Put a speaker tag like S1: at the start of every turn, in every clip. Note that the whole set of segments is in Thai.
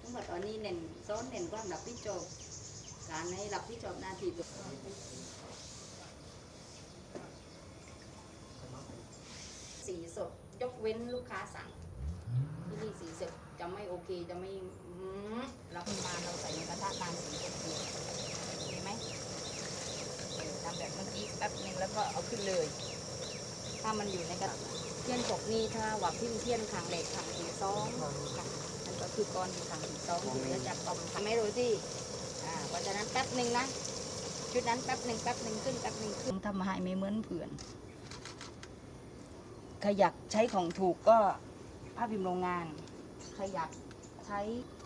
S1: ทั้งหมดตอนนี้เน้นซ้อนเน้นความรับผิดชอบการให้รับผิดชอบหน้าที่ตัวสีสดยกเว้นลูกค้าสั่งที่นี่สีสดจะไม่โอเคจะไม่รับมาเราใส่ในกระทะนานสีสดดีเห็นไหมทำแบบเมื่อกี้แป๊บนึงแล้วก็เอาขึ้นเลยถ้ามันอยู่ในกระทะเทียนกบนี่ถ้าว่าพิมพ์เทียนขังเหล็กขังสีซ้อมค่ะนั่นก็คือก้อนขังสีซ้อมที่เหลือจากกล่อมทำไม่รู้ที่เพราะฉะนั้นแป๊บนึงนะชุดนั้นแป๊บนึงขึ้นแป๊บนึงขึ้นทำให้ไม่เหมือนเพื่อนใครอยากใช้ของถูกก็ภาพพิมพ์โรงงานใครอยากใช้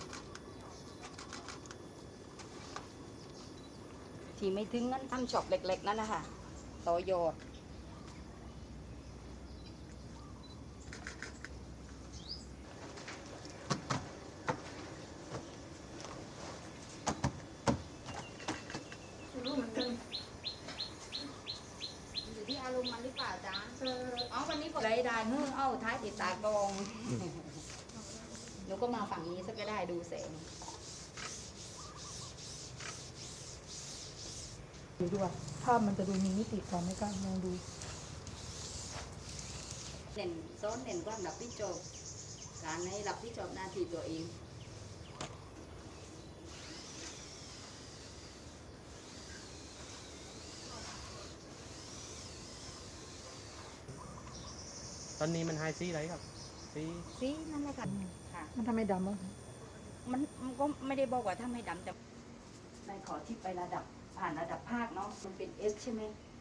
S1: ที่ไม่ถึงนั้นทำช็อปเล็กๆนั่นนะคะต่อยอดอยู่ที่อารมณ์มันหรือเปล่าจ๊ะวันนี้ผมได้ท้ายติดตากองหนูก็มาฝั่งนี้สักก็ได้ดูแสง
S2: ดูว่าภาพมันจะดูมีมิติกว่าไหมคะลองดู
S1: เน้นซ้อนเน้นความรับผิดชอบการให้รับผิดชอบหน้าที่ตัวเอง
S3: ตอนนี้มันไฮซีอะไรครับ
S1: ซีนั่นแหละค่ะ
S2: มันทำไมดำอ่ะ
S1: มันก็ไม่ได้บอกว่าถ้าไม่ดำแต่ในขอที่ไประดับผ่านระดับภาคเนาะมันเป็น S ใช่ไหม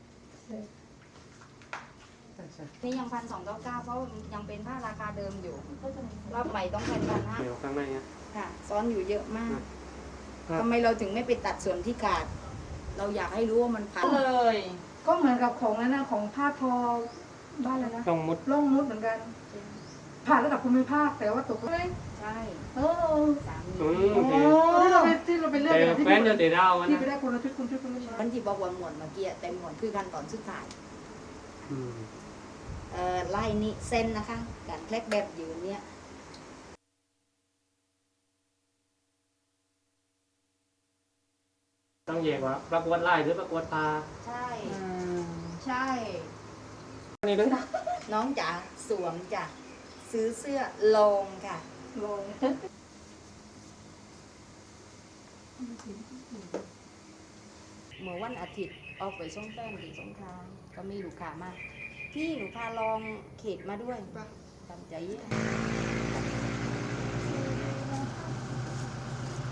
S1: นี่ยัง1,299เพราะยังเป็นผ้าราคาเดิมอยู่รอบใหม่ต้องเป็น1,500
S3: เดี๋ยวข้างใน
S1: ค่ะซ้อนอยู่เยอะมากทำไมเราถึงไม่ไปตัดส่วนที่ขาดเราอยากให้รู้ว่ามันพันเลย
S2: ก็เหมือนกับของนั้นนะของผ้าทอบ้านอะไรนะ
S3: ต้องมุด
S2: ล่องมุดเหมือนกันผ่านระดับภูมิภาคแต่ว่าตกเลย
S1: ใช่
S2: สามี
S3: ที่
S2: เราไปเลือก
S3: แฟนจะเตะดาวมัน
S2: ที่ไปได้คนละชุด
S1: มันที่บอกว่าหมวดเมื่อกี้เต็มหมวดคือขั้นตอนสุดท้ายไล่นี้เส้นนะคะการแคลกแบบอยู่เนี่ย
S3: ต้องแยกว่าประกวดไล่หรือประกวดปลา
S1: ใช่
S3: นี่เลย
S1: น้องจ๋าสวมจ้ะซื้อเสื้อลงค่ะ
S2: ลง
S1: เมื่อวันอาทิตย์ออกไปส่งแป้งที่สงขลาก็มีลูกค้ามาพี่หนูพาลองเขตมาด้วยตามใจ